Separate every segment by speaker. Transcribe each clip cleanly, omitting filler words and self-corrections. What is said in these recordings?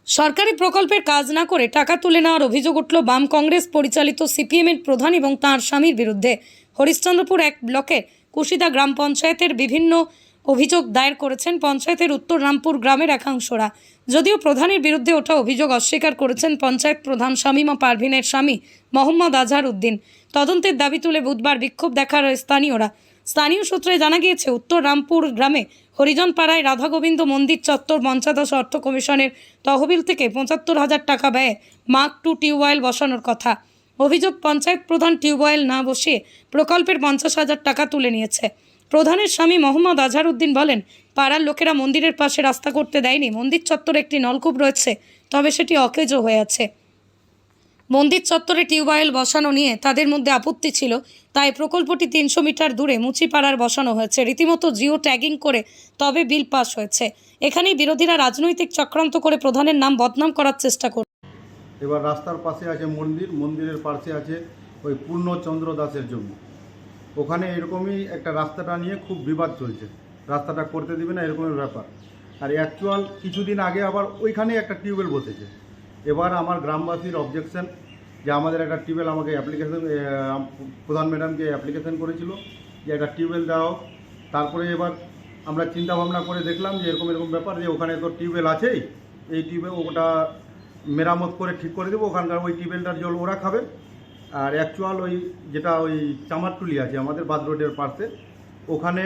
Speaker 1: সরকারি প্রকল্পের কাজ না করে টাকা তুলে নেওয়ার অভিযোগ উঠল বাম কংগ্রেস পরিচালিত সিপিএমের প্রধান এবং তাঁর স্বামীর বিরুদ্ধে। হরিশ্চন্দ্রপুর এক ব্লকের কুশিদা গ্রাম পঞ্চায়েতের বিভিন্ন অভিযোগ দায়ের করেছেন পঞ্চায়েতের উত্তর রামপুর গ্রামের একাংশরা। যদিও প্রধানের বিরুদ্ধে ওঠা অভিযোগ অস্বীকার করেছেন পঞ্চায়েত প্রধান শামীমা পারভিনের স্বামী মোহাম্মদ আজহার উদ্দিন। তদন্তের দাবি তুলে বুধবার বিক্ষোভ দেখার স্থানীয়রা। স্থানীয় সূত্রে জানা গিয়েছে, উত্তর রামপুর গ্রামে হরিজনপাড়ায় রাধা গোবিন্দ মন্দির চত্বর পঞ্চদশ অর্থ কমিশনের তহবিল থেকে ৭৫,০০০ টাকা ব্যয়ে মার্ক 2 টিউবওয়েল বসানোর কথা। অভিযোগ, পঞ্চায়েত প্রধান টিউবওয়েল না বসিয়ে প্রকল্পের ৫০,০০০ টাকা তুলে নিয়েছে। প্রধানের স্বামী মোহাম্মদ আজহার উদ্দিন বলেন, পাড়ার লোকেরা মন্দিরের পাশে রাস্তা করতে দেয়নি। মন্দির চত্বরে একটি নলকূপ রয়েছে, তবে সেটি অকেজো হয়ে আছে। মন্দির চত্বরে টিউবওয়েল বসানো নিয়ে তাদের মধ্যে আপত্তি ছিল, তাই প্রকল্পটি ৩০০ মিটার দূরে মুচিপাড়ার বসানো হয়েছে। রীতিমতো জিও ট্যাগিং করে তবে বিল পাস হয়েছে। এখানেই বিরোধীরা রাজনৈতিক চক্রান্ত করে প্রধানের নাম বদনাম করার চেষ্টা করে।
Speaker 2: এবার রাস্তার পাশে আছে মন্দির, মন্দিরের পাশে আছে ওই পূর্ণচন্দ্র দাসের জমি। ওখানে এরকমই একটা রাস্তাটা নিয়ে খুব বিবাদ চলছে, রাস্তাটা করতে দিবে না এরকমের ব্যাপার। আর অ্যাকচুয়াল কিছুদিন আগে আবার ওইখানে একটা টিউবওয়েল বসেছে। এবার আমার গ্রামবাসীর অবজেকশন যে আমাদের একটা টিউবওয়েল, আমাকে অ্যাপ্লিকেশন প্রধান ম্যাডামকে অ্যাপ্লিকেশন করেছিল যে একটা টিউবওয়েল দেওয়া হোক। তারপরে এবার আমরা চিন্তা ভাবনা করে দেখলাম যে এরকম ব্যাপার, যে ওখানে তো টিউবওয়েল আছেই, এই টিউবওয়েল ওটা মেরামত করে ঠিক করে দেবো, ওখানকার ওই টিউবওয়েলটার জল ওরা খাবে। আর অ্যাকচুয়াল ওই যেটা ওই চামারটুলি আছে আমাদের বাদ রোডের পাশে, ওখানে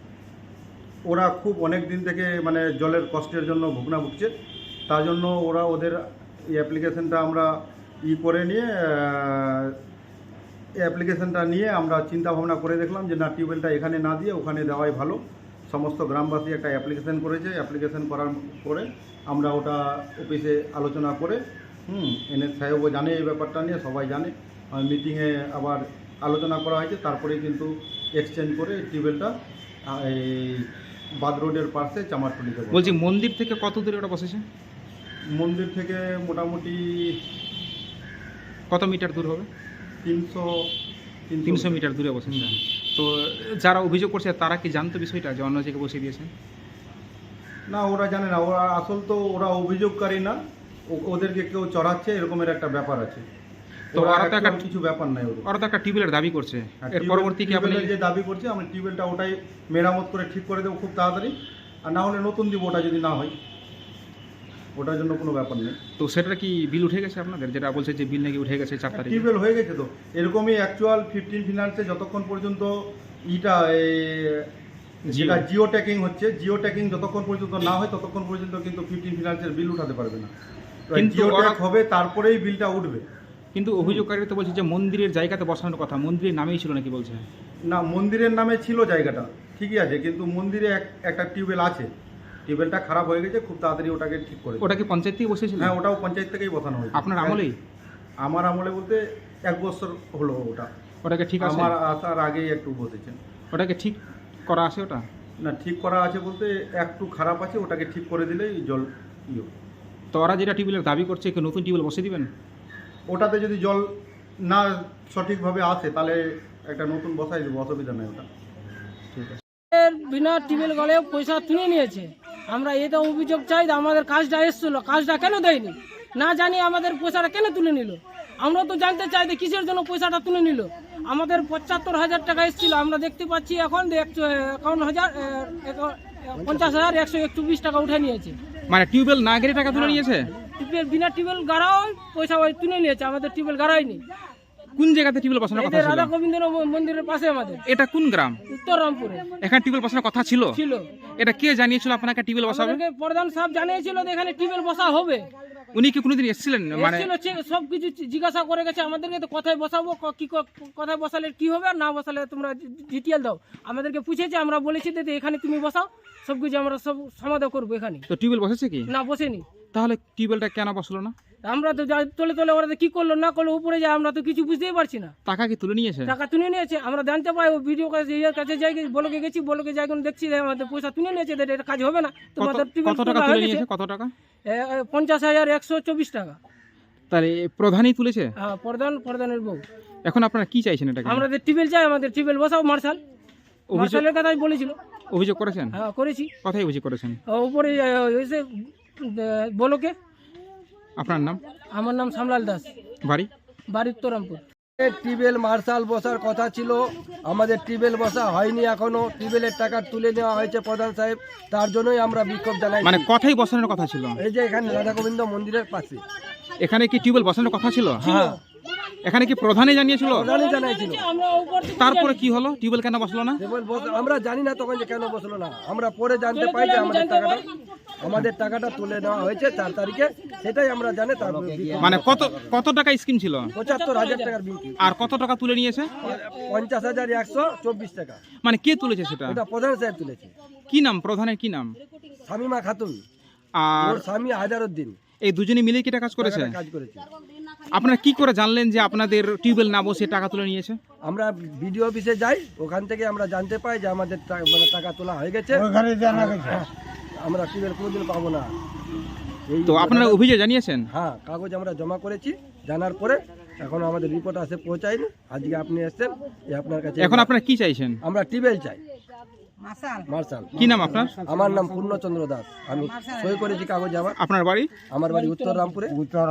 Speaker 2: ওরা খুব অনেক দিন থেকে মানে জলের কষ্টের জন্য ভুগছে। তার জন্য ওরা ওদের এই অ্যাপ্লিকেশনটা আমরা করে নিয়ে অ্যাপ্লিকেশনটা নিয়ে আমরা চিন্তা ভাবনা করে দেখলাম যে না, টিউবওয়েলটা এখানে না দিয়ে ওখানে দেওয়াই ভালো। সমস্ত গ্রামবাসী একটা অ্যাপ্লিকেশন করেছে। অ্যাপ্লিকেশন করার পরে আমরা ওটা অফিসে আলোচনা করে এনএস সাহেবও জানে এই ব্যাপারটা নিয়ে, সবাই জানে। মিটিংয়ে আবার আলোচনা করা হয়েছে, তারপরেই কিন্তু এক্সচেঞ্জ করে টিউবওয়েলটা এই বাদ রোডের পাশে চামারটুলিতে।
Speaker 3: বলছি, মন্দির থেকে কত দূরে ওটা বসেছে?
Speaker 2: মন্দির থেকে মোটামুটি
Speaker 3: কত মিটার দূর হবে?
Speaker 2: ৩০০
Speaker 3: মিটার দূরে বসেছে। তো যারা অভিযোগ করছে তারা কি জানতো বিষয়টা যে অন্য জায়গায় বসিয়ে দিয়েছে?
Speaker 2: না, ওরা জানে না। ওরা আসল তো ওরা অভিযোগকারী না, ওদেরকে কেউ চড়াচ্ছে এরকমের একটা ব্যাপার আছে।
Speaker 3: তো ওরা তো একটা
Speaker 2: কিছু ব্যাপার নাই,
Speaker 3: ওরা তো একটা টিউবওয়েলের দাবি করছে। এর পরবর্তী কি আপনি
Speaker 2: যে দাবি করছে, আমি টিউবওয়েলটা ওটাই মেরামত করে ঠিক করে দেবো খুব তাড়াতাড়ি। আর না হলে নতুন দিব, ওটা যদি না হয়, ওটার জন্য কোনো ব্যাপার নেই।
Speaker 3: তো সেটা কি বিল উঠে গেছে আপনাদের? যেটা বলছে যে বিল নাকি উঠে গেছে 4 তারিখে।
Speaker 2: টিউবওয়েল হয়ে গেছে তো। এরকমই অ্যাকচুয়াল 15 ফিনান্সে যতক্ষণ পর্যন্ত যেটা জিও ট্যাগিং হচ্ছে, জিও ট্যাগিং যতক্ষণ পর্যন্ত না হয় ততক্ষণ পর্যন্ত কিন্তু 15 ফিনান্সের বিল উঠাতে পারবে না। জিও ট্যাগ হবে, তারপরেই বিলটা উঠবে।
Speaker 3: কিন্তু অভিযোগকারীরা তো বলছে যে মন্দিরের জায়গাতে বসানোর কথা, মন্দিরের নামেই ছিল নাকি বলছে?
Speaker 2: না, মন্দিরের নামে ছিল জায়গাটা, ঠিকই আছে, কিন্তু মন্দিরে একটা টিউবওয়েল আছে। টিউবওয়েলটা খারাপ হয়ে গেছে, খুব তাড়াতাড়ি ওটাকে ঠিক করে।
Speaker 3: ওটা কি পঞ্চায়েত থেকে বসেছিল?
Speaker 2: হ্যাঁ, ওটাও পঞ্চায়েত থেকেই বসানো হয়েছে।
Speaker 3: আপনার আমলেই?
Speaker 2: আমার আমলে বলতে 1 বছর হলো
Speaker 3: ওটাকে ঠিক আছে?
Speaker 2: আমার আসার আগেই একটু বসেছে।
Speaker 3: ওটাকে ঠিক করা আছে? ওটা
Speaker 2: না, ঠিক করা আছে বলতে একটু খারাপ আছে, ওটাকে ঠিক করে দিলেই জল
Speaker 3: তো ওরা যেটা টিউবওয়েলের দাবি করছে, কি নতুন টিউবওয়েল বসিয়ে দিবেন?
Speaker 2: ওটাতে যদি জল না সঠিকভাবে আসে তাহলে একটা নতুন বসাই দেবো, অসুবিধা নেই ওটা।
Speaker 3: ঠিক আছে।
Speaker 4: বিনা টিউবওয়েল গলে পয়সা তুলে নিয়েছে। আমরা এটা অভিযোগ চাই, আমাদের কাজটা এসেছিল, কাজটা কেন দেয়নি? না জানি আমাদের পয়সাটা কেন তুলে নিল। আমরা তো জানতে চাই যে কিসের জন্য পয়সাটা তুলে নিল। আমাদের ৭৫,০০০ টাকা এসেছিল, আমরা দেখতে পাচ্ছি এখন ৫০,১২১ টাকা উঠে নিয়েছে।
Speaker 3: মানে টিউবওয়েল না গেলে টাকা তুলে নিয়েছে?
Speaker 4: টিউবওয়েল বিনা টিউবওয়েল গাড়াও পয়সা তুলে নিয়েছে, আমাদের টিউবওয়েল গাড়াইনি।
Speaker 3: কোন জায়গাতে টিউবওয়েল বসানোর কথা ছিল?
Speaker 4: রাধা গোবিন্দ মন্দিরের পাশে আমাদের।
Speaker 3: এটা কোন গ্রাম?
Speaker 4: উত্তর রামপুরে।
Speaker 3: এখানে টিউবওয়েল বসানোর কথা ছিল?
Speaker 4: ছিল।
Speaker 3: এটা কে জানিয়েছিল আপনাকে টিউবওয়েল বসাবে?
Speaker 4: আমাদেরকে প্রধান সাহেব জানিয়েছিল যে এখানে টিউবওয়েল বসা হবে।
Speaker 3: উনি কি কোনোদিন এসেছিলেন? মানে
Speaker 4: সব কিছু জিজ্ঞাসা করে গেছে আমাদেরকে, তো কোথায় বসাবো, কি কোথায় বসালে কি হবে, আর না বসালে তোমরা ডিটেল দাও। আমাদেরকে পুছেছে, আমরা বলেছি যে এখানে তুমি বসাও, সব কিছু আমরা সব সমাধান করবো এখানে।
Speaker 3: তো টিউবওয়েল বসেছে কি?
Speaker 4: না, বসেনি।
Speaker 3: তাহলে টিউবওয়েলটা কেন বসলো না?
Speaker 4: আমরা তো তলে তলে ওরা কি করলো না করলো উপরে যায়, আমরা তো কিছু বুঝতেই পারছি না।
Speaker 3: টাকা কি তুলে নিয়েছে?
Speaker 4: টাকা তুলে নিয়েছে, আমরা জানতে পাই ও ভিডিও কাছে যাই, বলকে গেছি, বলকে যাই দেখছি আমাদের পয়সা তুলে নিয়েছে, এটা কাজ হবে না তোমাদের।
Speaker 3: কত টাকা তুলে নিয়েছে? কত টাকা?
Speaker 4: ৫০,১২৪ টাকা।
Speaker 3: তাহলে প্রধানই তুলেছে?
Speaker 4: হ্যাঁ, প্রধানের বউ।
Speaker 3: এখন আপনারা কি চাইছেন? এটা
Speaker 4: আমাদের টিউবওয়েল চাই, আমাদের টিউবওয়েল বসাও। মার্শালের কথাই বলেছিল।
Speaker 3: অভিযোগ করেছেন?
Speaker 4: হ্যাঁ, করেছি।
Speaker 3: কথাই অভিযোগ করেছেন?
Speaker 4: উপরে এসে বলকে
Speaker 3: আপনার নাম?
Speaker 4: আমার নাম শ্যামলাল দাস,
Speaker 3: বাড়ি?
Speaker 4: বাড়ি উত্তরামপুর।
Speaker 5: টিউবওয়েল মার্শাল বসার কথা ছিল, আমাদের টিউবওয়েল বসা হয়নি এখনো। টিউবওয়েলের টাকা তুলে নেওয়া হয়েছে প্রধান সাহেব, তার জন্যই আমরা বিক্ষোভ জানাই।
Speaker 3: মানে কথাই বসানোর কথা ছিল?
Speaker 5: এই যে এখানে রাধা গোবিন্দ মন্দিরের পাশে।
Speaker 3: এখানে কি টিউবওয়েল বসানোর কথা ছিল?
Speaker 5: হ্যাঁ,
Speaker 3: এখানে কি প্রধানই জানিয়েছিল?
Speaker 5: প্রধানই জানাইছিল।
Speaker 4: আমরা উপর থেকে
Speaker 3: তারপরে কি হলো? টিউবওয়েল কেন বসলো না?
Speaker 5: আমরা জানি না তখন যে কেন বসলো না, আমরা পরে জানতে পাই যে আমাদের টাকাটা তুলে নেওয়া হয়েছে 4 তারিখে, সেটাই আমরা জানি। তারপর
Speaker 3: মানে কত টাকা স্কিম ছিল?
Speaker 5: ৭৫,০০০ টাকার বিল,
Speaker 3: আর কত টাকা তুলে নিয়েছে?
Speaker 5: ৫০,১২৪ টাকা।
Speaker 3: মানে কে তুলেছে সেটা?
Speaker 5: এটা প্রধান সাহেব তুলেছে।
Speaker 3: কি নাম প্রধানের? কি নাম?
Speaker 5: শামিমা খাতুন,
Speaker 3: আর
Speaker 5: ওর স্বামী হাজারউদ্দিন
Speaker 3: এই দুজনে মিলে কি এটা কাজ করেছে?
Speaker 5: কাজ করেছে।
Speaker 3: আপনারা কি করে জানলেন যে আপনাদের টিউবওয়েল না বসে টাকা তুলে নিয়েছে?
Speaker 5: আমরা বিডিও অফিসে যাই, ওখান থেকে আমরা জানতে পাই যে আমাদের মানে টাকা তোলা হয়ে গেছে। আমরা টিউবওয়েল কোনোদিন পাবো না।
Speaker 3: তো আপনারা অভিযোগ জানিয়েছেন?
Speaker 5: হ্যাঁ, কাগজ আমরা জমা করেছি, জানার পরে এখন আমাদের রিপোর্ট আসে পৌঁছায়নি। আজকে আপনি এসেছেন, আপনার কাছে
Speaker 3: এখন আপনারা কি চাইছেন?
Speaker 5: আমরা টিউবওয়েল চাই, মার্শাল।
Speaker 3: কি নাম আপনার?
Speaker 5: আমার নাম পূর্ণচন্দ্র দাস, আমি সই করেছি কাগজ। আমার
Speaker 3: আপনার বাড়ি?
Speaker 5: আমার বাড়ি উত্তর রামপুরে।